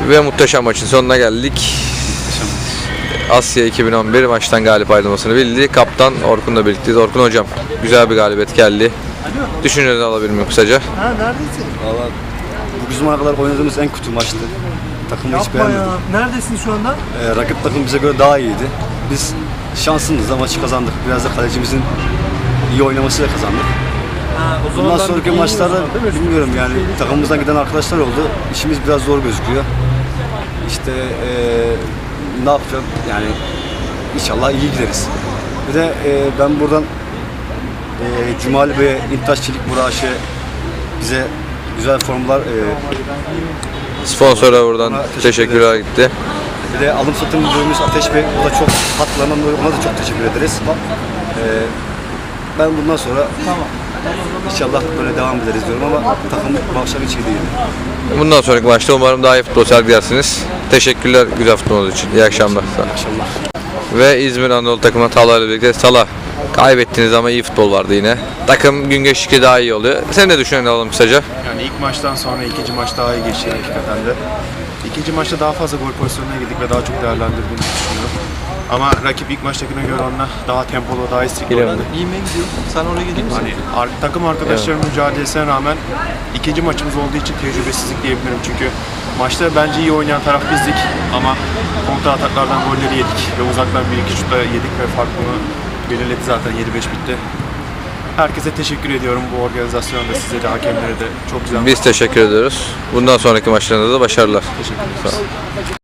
Ve muhteşem maçın sonuna geldik. Asya 2011 maçtan galip ayrılmasını bildi. Kaptan Orkun'la birlikteyiz. Orkun hocam, güzel bir galibiyet geldi. Düşüncelerini alabilir miyim kısaca? Ha, neredesin? Valla bu zamana kadar oynadığımız en kötü maçtı. Takımı hiç Yapma beğenmedim. ya. Neredesin şu anda? Rakip takım bize göre daha iyiydi. Biz şansımızla maçı kazandık. Biraz da kalecimizin iyi oynamasıyla kazandık. Ha, o Bundan ben sonraki iyi maçlarda o zaman, değil mi? bilmiyorum yani takımımızdan giden arkadaşlar oldu. İşimiz biraz zor gözüküyor. İşte ne yapacağım yani inşallah iyi gideriz. Bir de ben buradan Cumali Bey'e, İntaş Çelik Muraş'e bize güzel formlar Sponsora buradan teşekkürler gitti. bir de alım satım müdürümüz Ateş Bey, o da çok hatlarından dolayı ona da çok teşekkür ederiz. Ben bundan sonra inşallah böyle devam ederiz diyorum ama takım başlangıç iyi değil. Bundan sonraki maçta umarım daha iyi futbol sergilersiniz. Teşekkürler güzel futbolunuz için. İyi akşamlar. Akşamlar. Ve İzmir Anadolu takımına Talha ile birlikte. Talha, kaybettiniz ama iyi futbol vardı yine. Takım gün geçtikçe daha iyi oluyor. Sen ne düşünüyorsun alalım kısaca? Yani ilk maçtan sonra ikinci maç daha iyi geçti hakikaten de. İkinci maçta daha fazla gol pozisyonuna girdik ve daha çok değerlendirdiğimizi düşünüyorum. Ama rakip ilk maçtakine göre onunla daha tempolu, daha istekli oynadı. İyime gidiyor. Sen oraya gidiyor musun? Hani takım arkadaşlarının mücadelesine rağmen ikinci maçımız olduğu için tecrübesizlik diyebilirim. Çünkü maçta bence iyi oynayan taraf bizdik ama kontra ataklardan golleri yedik ve uzaktan bir iki şutla yedik ve fark bunu belirledi zaten 7-5 bitti. Herkese teşekkür ediyorum bu organizasyonda, size de hakemlere de çok güzel. Biz teşekkür ediyoruz. Bundan sonraki maçlarında da başarılar. Teşekkür ederiz.